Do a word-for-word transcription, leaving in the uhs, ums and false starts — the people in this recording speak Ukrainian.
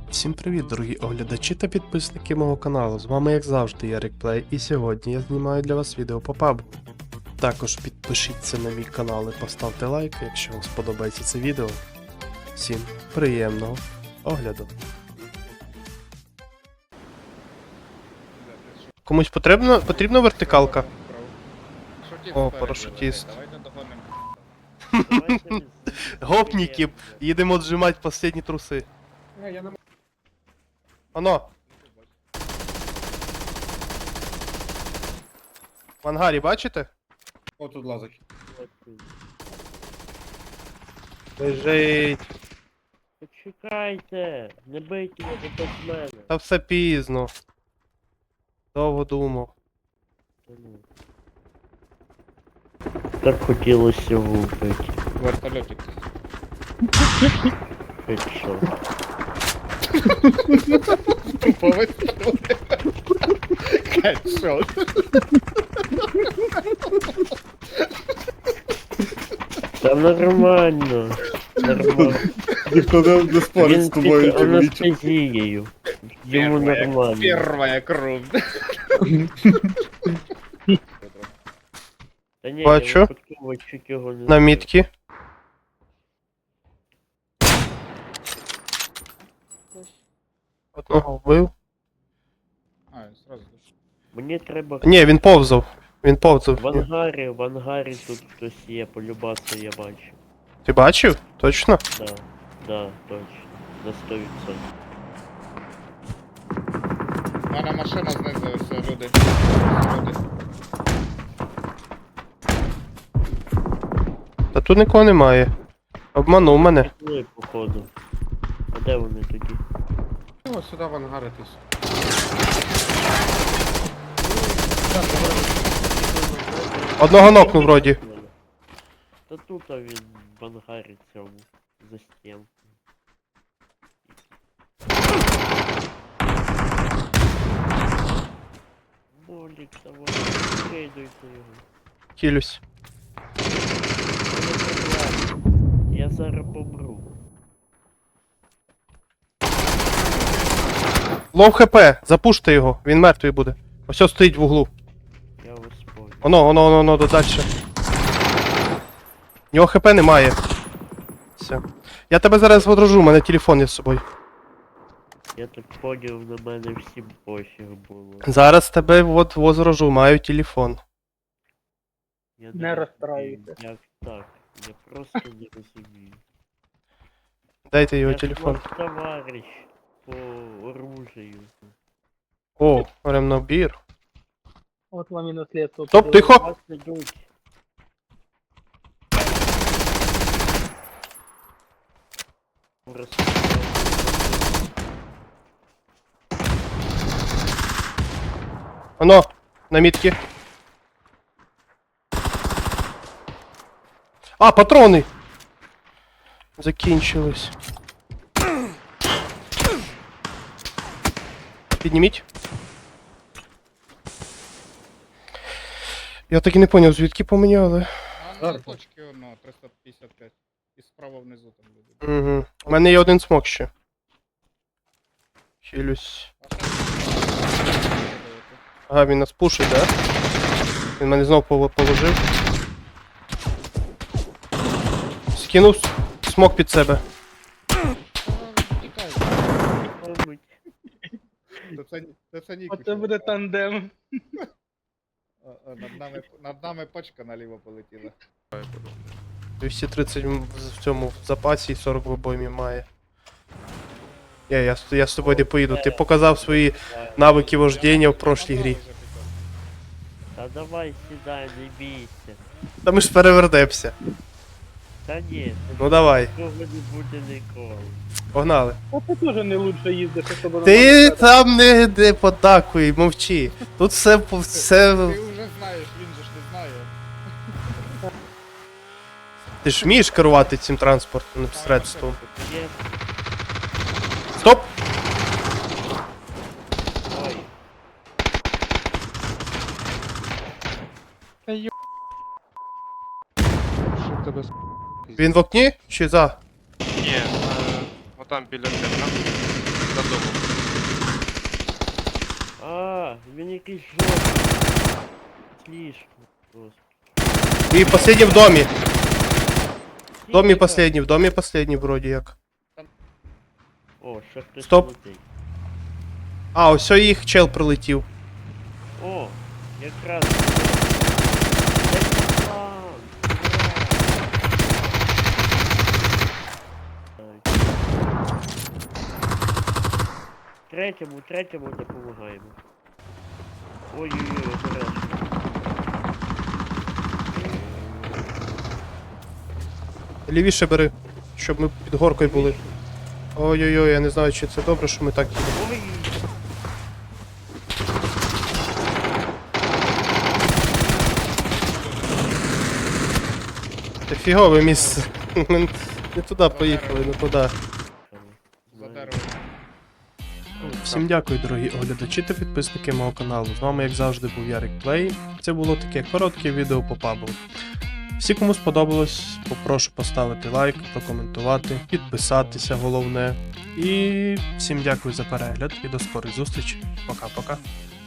Всім привіт, дорогі оглядачі та підписники мого каналу. З вами, як завжди, Ярик Плей, і сьогодні я знімаю для вас відео по пабу. Також підпишіться на мій канал і поставте лайк, якщо вам сподобається це відео. Всім приємного огляду. Комусь потрібна, потрібна вертикалка? О, парашутіст. Гопніки, їдемо отжимати останні труси. Оно. В ангарі бачите? О, тут лазить. Лежить. Почекайте, не бийте його без мене. Та все пізно. Довго думав. Так хотілося вбити. Вертольотик. Хедшот. Тупо вистрілити. Хедшот. Та нормально. Нормально. Ніхто не, не спорить Він з тобою, під анестезією. Йому нормально. Первая кров. Та ні, Бачу. я випадково чуть його не На мітки. Одного вбив. А, сразу. Мені треба... Ні, він повзав. Він повзав. В ангарі, в ангарі тут хтось є, полюбаса я бачу. Ти бачив? Точно? Да, да, точно. На сто відсотків. У мене машина знизу, все, люди. Люди. Та тут нікого немає. Обманув мене. Пішли, походу. А де вони тоді? Ось сюди в ангаритись. Одного нокнув вроді. Та тут а він в ангарі цьому. За стінку. Болік, давай, скидуйте його. Кілюсь. Я зараз помру. Лов хп, запуште його, він мертвий буде. Ось ось стоїть в углу. Я вас понял. Оно, оно, оно, оно, дальше. В нього хп немає. Все. Я тебе зараз водружу, у мене телефон є з собою. Я так поняв, на мене всім пофіг було. Зараз тебе от возражу, маю телефон. Я Не розумію, розстраюйся. Як так? Я просто не розумію. Дайте його Я ж телефон. ваш товарищ по оружию. О, ремнобір. От вам і наслідство. Стоп, тихо! Вас ідуть. Оно, на мітки. А, патрони! Закінчились. Підніміть. Я так і не поняв, звідки поміняли. А на точки воно, триста п'ятдесят п'ять. І справа внизу там люди. Угу. У мене є один смок ще. Хилюсь. Ага, він нас пушить, да? Він мене знову пов- положив. Скинув с- смок під себе. Тікай. Мабуть. Це- Це це- це Ніку. Оце буде тандем. А, а, Над нами, над нами пачка наліво полетіла. двісті тридцять м- в цьому в запасі і сорок в обоймі має. Я, я, з- я з тобою не поїду. Ти показав свої навики вождіння в прошлій грі. Та давай сідай, не бійся. Та ми ж перевернемося. Та ні, Ну давай, такого не буде ніколи. погнали. А ти теж не лучше їздиш, особливо. Ти там не, не подакуй, мовчи. Тут все, по- все... Ти вже знаєш, він же ж не знає. Ти ж вмієш керувати цим транспортним средством. Є. Стоп! Ой, Що в тебе з Він в окні чи за? Ні, е, отам біля тебе. рандомом. А, він якийсь жовтий. Слишком просто. І последній в домі. В домі Тихо. последній, в домі последній вроді як. О, ще хтось Стоп. летить. А, ось їх чел прилетів. О, якраз. Це план. Ура! Третьому, третьому допомагаємо. Ой-ой-ой, обережно. Лівіше бери, щоб ми під горкою були. Ой-ой-ой, я не знаю, чи це добре, що ми так їдемо. Ой. Це фігове місце. Ми не туди поїхали, не туди. За деревом. Всім дякую, дорогі оглядачі та підписники мого каналу. З вами, як завжди, був Ярик Плей. Це було таке коротке відео по пабу. Всі, кому сподобалось, попрошу поставити лайк, прокоментувати, підписатися, головне. І всім дякую за перегляд і до скорих зустрічей. Пока-пока.